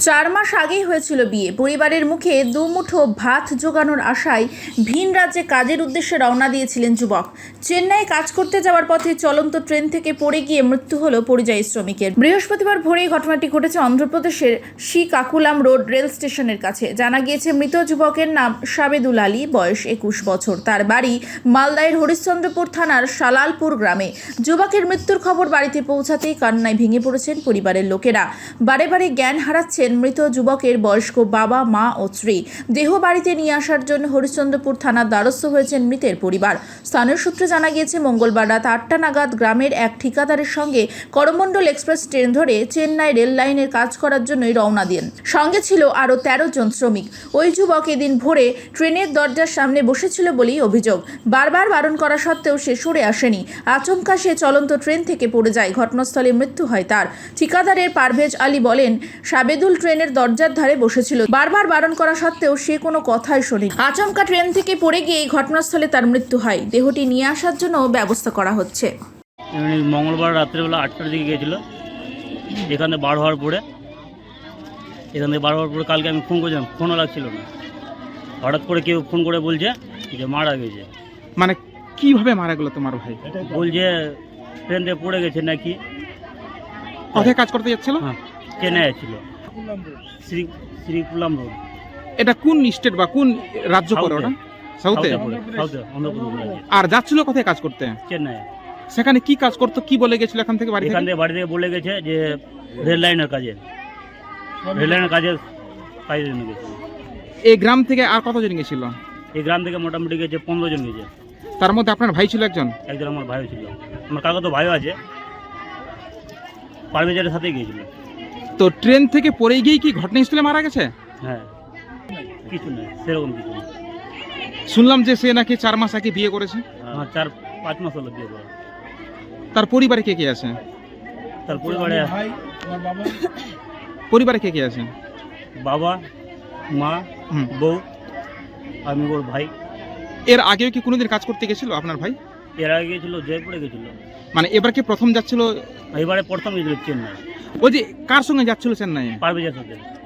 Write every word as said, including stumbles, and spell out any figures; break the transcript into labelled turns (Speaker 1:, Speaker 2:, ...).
Speaker 1: চার মাস আগেই হয়েছিল বিয়ে। পরিবারের মুখে দুমুঠো ভাত জোগানোর আশায় ভিন রাজ্যে কাজের উদ্দেশ্যে রওনা দিয়েছিলেন যুবক। চেন্নাইয়ে কাজ করতে যাওয়ার পথে চলন্ত ট্রেন থেকে পড়ে গিয়ে মৃত্যু হলো পরিযায়ী শ্রমিকের। বৃহস্পতিবার ভোরেই ঘটনাটি ঘটেছে অন্ধ্রপ্রদেশের শ্রীকাকুলাম রোড রেল স্টেশনের কাছে। জানা গিয়েছে মৃত যুবকের নাম সাবেদুল আলী, বয়স একুশ বছর। তার বাড়ি মালদায়ের হরিশ্চন্দ্রপুর থানার সালালপুর গ্রামে। যুবকের মৃত্যুর খবর বাড়িতে পৌঁছাতেই কান্নায় ভেঙে পড়েছেন পরিবারের লোকেরা। বারে বারে জ্ঞান হারাচ্ছেন মৃত যুবকের বয়স্ক বাবা, মা ও স্ত্রী। দেহ বাড়িতে নিয়ে আসার জন্য হরিশ্চন্দ্রপুর থানার দ্বারস্থ হয়েছেন মৃতের পরিবার। স্থানীয় সূত্রে জানা গিয়েছে মঙ্গলবার রাত আটটা নাগাদ গ্রামের এক ঠিকাদারের সঙ্গে করমণ্ডল এক্সপ্রেস ট্রেন ধরে চেন্নাই রেল লাইনের কাজ করার জন্যই রওনা দেন। সঙ্গে ছিল আরও তেরো জন শ্রমিক। ওই যুবক এদিন ভোরে ট্রেনের দরজার সামনে বসেছিল বলেই অভিযোগ। বারবার বারণ করা সত্ত্বেও সে সরে আসেনি। আচমকা সে চলন্ত ট্রেন থেকে পড়ে যায়। ঘটনাস্থলে মৃত্যু হয় তার। ঠিকাদারের পারভেজ আলী বলেন, সাবেদুল ট্রেনের দরজার ধারে বসেছিল। বারবার বারণ করা সত্ত্বেও সে কোনো কথাই শোনেনি। আচমকা ট্রেন থেকে পড়ে গিয়ে ঘটনাস্থলে তার মৃত্যু হয়। দেহটি নিয়ে আসার জন্য ব্যবস্থা করা হচ্ছে।
Speaker 2: মঙ্গলবার রাত্রেবেলা আটটার দিকে গিয়েছিল। এখানে বার হওয়ার পরে এখান থেকে বার হওয়ার পরে কালকে আমি ফোন করেছিলাম, ফোনও লাগছিল না। হঠাৎ করে কেউ ফোন করে বলছে যে মারা গেছে।
Speaker 3: মানে কিভাবে মারা গেল তোমার ভাই?
Speaker 2: বলছে ট্রেন থেকে পড়ে গেছে নাকি।
Speaker 3: কোথায় কাজ করতে যাচ্ছিল?
Speaker 2: হ্যাঁ, চেন্নাই ছিল, শ্রী শ্রীকুলাম রোড।
Speaker 3: এটা কোন স্টেট বা কোন রাজ্য পড়ে ওটা? সাউথে?
Speaker 2: সাউথে, অন্ধ্রপ্রদেশ।
Speaker 3: আর যাচ্ছিল কোথায় কাজ করতে?
Speaker 2: চেন্নাই।
Speaker 3: সেখানে কি কাজ করতো, কি বলে গেছিল এখান থেকে বাড়ি
Speaker 2: এখান
Speaker 3: থেকে?
Speaker 2: থেকে বাড়ি থেকে বলে গেছে যে রেল লাইনের কাজে রেল লাইনের কাজে কাজের জন্য গেছে।
Speaker 3: এই গ্রাম থেকে আর কতজন গেছিল?
Speaker 2: এই গ্রাম থেকে মোটামুটি গেছে পনেরো জন গেছে।
Speaker 3: তার মধ্যে আপনার ভাই ছিল একজন?
Speaker 2: একজন আমার ভাইও ছিল। আমার কাকা তো ভাইও আছে, পারভেজের সাথেই গিয়েছিল।
Speaker 3: তো ট্রেন থেকে পড়ে গিয়ে কি ঘটনাস্থলে মারা গেছে?
Speaker 2: হ্যাঁ, কিছু নেই, সেরকম কিছু নেই।
Speaker 3: শুনলাম যে সে নাকি চার মাস আগে বিয়ে করেছে।
Speaker 2: আমার চার পাঁচ মাস হলো বিয়ে করা।
Speaker 3: তার পরিবারে কে কে আছে?
Speaker 2: তার পরিবারে
Speaker 3: পরিবারে কে কে আছে?
Speaker 2: বাবা, মা,
Speaker 3: হুম।
Speaker 2: বউ, আমি ওর ভাই।
Speaker 3: এর আগেও কি কোনোদিন কাজ করতে গেছিল আপনার ভাই?
Speaker 2: এর আগে গেছিল, জয়পুরে গেছিল।
Speaker 3: মানে এবার কি প্রথম যাচ্ছিল?
Speaker 2: এবারে প্রথম গেছিল চেন্নাই,
Speaker 3: ওই যে কার সঙ্গে যাচ্ছিল চেন্নাই?
Speaker 2: পারভেজের সাথে।